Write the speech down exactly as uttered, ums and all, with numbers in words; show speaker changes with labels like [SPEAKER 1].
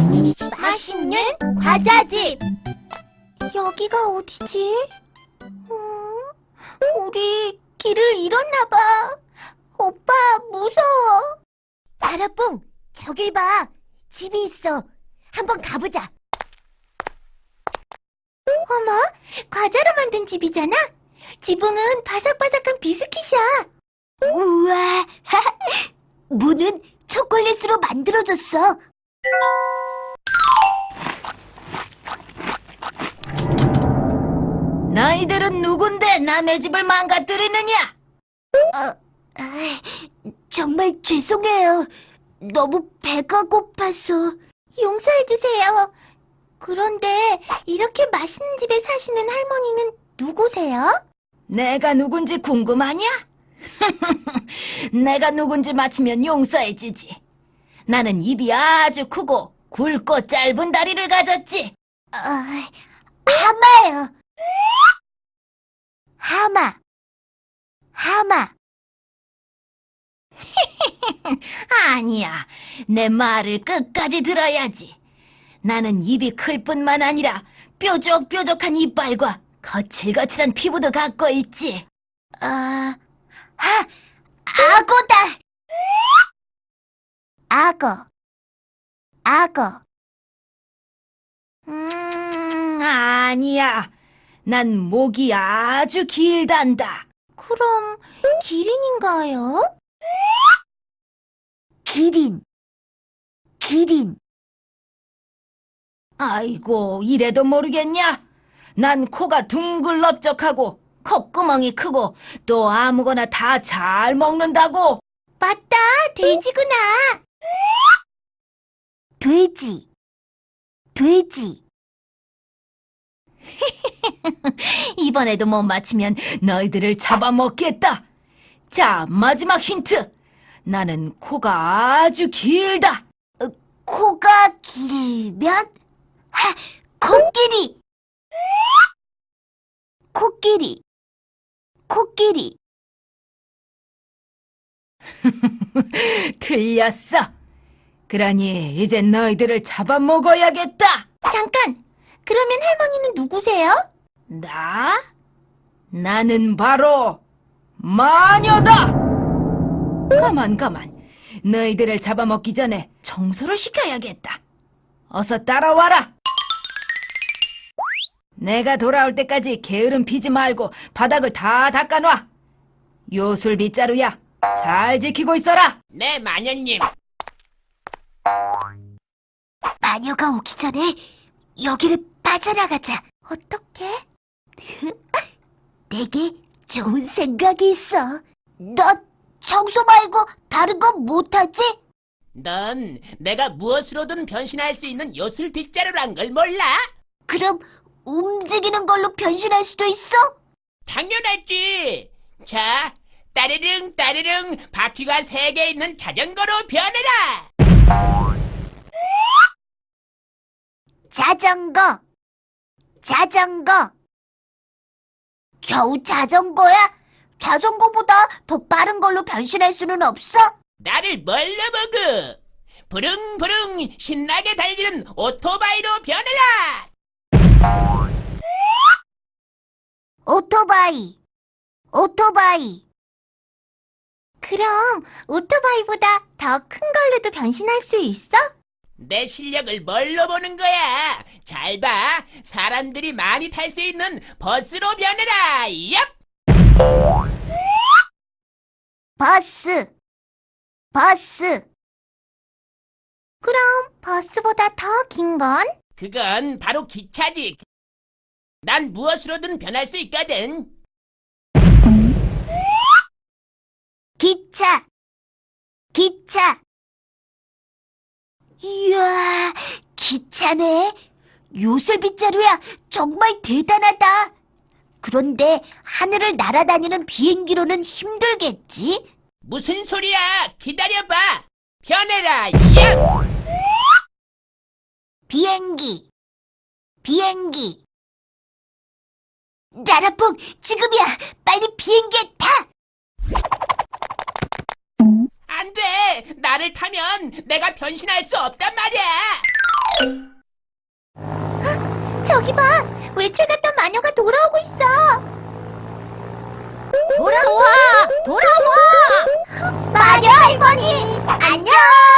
[SPEAKER 1] 맛있는 과자집. 여기가 어디지? 음, 우리 길을 잃었나 봐. 오빠, 무서워. 나라뽕, 저길 봐. 집이 있어. 한번 가보자. 어머, 과자로 만든 집이잖아? 지붕은 바삭바삭한 비스킷이야. 우와, 문은 초콜릿으로 만들어졌어.
[SPEAKER 2] 너희들은 누군데 남의 집을 망가뜨리느냐?
[SPEAKER 1] 어, 정말 죄송해요. 너무 배가 고파서. 용서해주세요. 그런데 이렇게 맛있는 집에 사시는 할머니는 누구세요?
[SPEAKER 2] 내가 누군지 궁금하냐? 내가 누군지 맞히면 용서해주지. 나는 입이 아주 크고 굵고 짧은 다리를 가졌지.
[SPEAKER 1] 어, 하마요. 하마. 하마.
[SPEAKER 2] 아니야, 내 말을 끝까지 들어야지. 나는 입이 클 뿐만 아니라 뾰족뾰족한 이빨과 거칠거칠한 피부도 갖고 있지.
[SPEAKER 1] 아, 아, 악어다. 악어. 악어.
[SPEAKER 2] 음, 아니야. 난 목이 아주 길단다.
[SPEAKER 1] 그럼 기린인가요?
[SPEAKER 2] 기린. 기린. 아이고, 이래도 모르겠냐? 난 코가 둥글넓적하고 콧구멍이 크고 또 아무거나 다 잘 먹는다고.
[SPEAKER 1] 맞다, 돼지구나.
[SPEAKER 2] 돼지. 돼지. 이번에도 못 맞히면 너희들을 잡아먹겠다. 자, 마지막 힌트. 나는 코가 아주 길다.
[SPEAKER 1] 어, 코가 길면? 하, 코끼리. 코끼리. 코끼리.
[SPEAKER 2] 틀렸어. 그러니 이제 너희들을 잡아먹어야겠다.
[SPEAKER 1] 잠깐! 그러면 할머니는 누구세요?
[SPEAKER 2] 나? 나는 바로 마녀다. 가만 가만. 너희들을 잡아먹기 전에 청소를 시켜야겠다. 어서 따라와라. 내가 돌아올 때까지 게으름 피지 말고 바닥을 다 닦아놔. 요술 빗자루야, 잘 지키고 있어라.
[SPEAKER 3] 네, 마녀님.
[SPEAKER 1] 마녀가 오기 전에 여기를 빠져나가자. 어떻게? 내게 좋은 생각이 있어. 너 청소 말고 다른 건 못하지?
[SPEAKER 3] 넌 내가 무엇으로든 변신할 수 있는 요술 빗자루란 걸 몰라?
[SPEAKER 1] 그럼 움직이는 걸로 변신할 수도 있어?
[SPEAKER 3] 당연하지. 자, 따르릉 따르릉 바퀴가 세 개 있는 자전거로 변해라.
[SPEAKER 1] 자전거. 자전거. 겨우 자전거야? 자전거보다 더 빠른 걸로 변신할 수는 없어?
[SPEAKER 3] 나를 뭘로 먹어? 부릉부릉 신나게 달리는 오토바이로 변해라.
[SPEAKER 1] 오토바이. 오토바이. 그럼 오토바이보다 더 큰 걸로도 변신할 수 있어?
[SPEAKER 3] 내 실력을 뭘로 보는 거야? 잘 봐. 사람들이 많이 탈 수 있는 버스로 변해라. 얍!
[SPEAKER 1] 버스. 버스. 그럼 버스보다 더 긴 건?
[SPEAKER 3] 그건 바로 기차지. 난 무엇으로든 변할 수 있거든.
[SPEAKER 1] 기차. 기차. 이야, 기차네. 요술 빗자루야, 정말 대단하다. 그런데 하늘을 날아다니는 비행기로는 힘들겠지?
[SPEAKER 3] 무슨 소리야? 기다려봐. 변해라. 얍!
[SPEAKER 1] 비행기. 비행기. 나라뽕, 지금이야. 빨리 비행기에 타.
[SPEAKER 3] 안 돼. 나를 타면 내가 변신할 수 없단 말이야.
[SPEAKER 1] 저기 봐! 외출 갔던 마녀가 돌아오고 있어! 돌아와! 돌아와! 마녀 할머니! 안녕!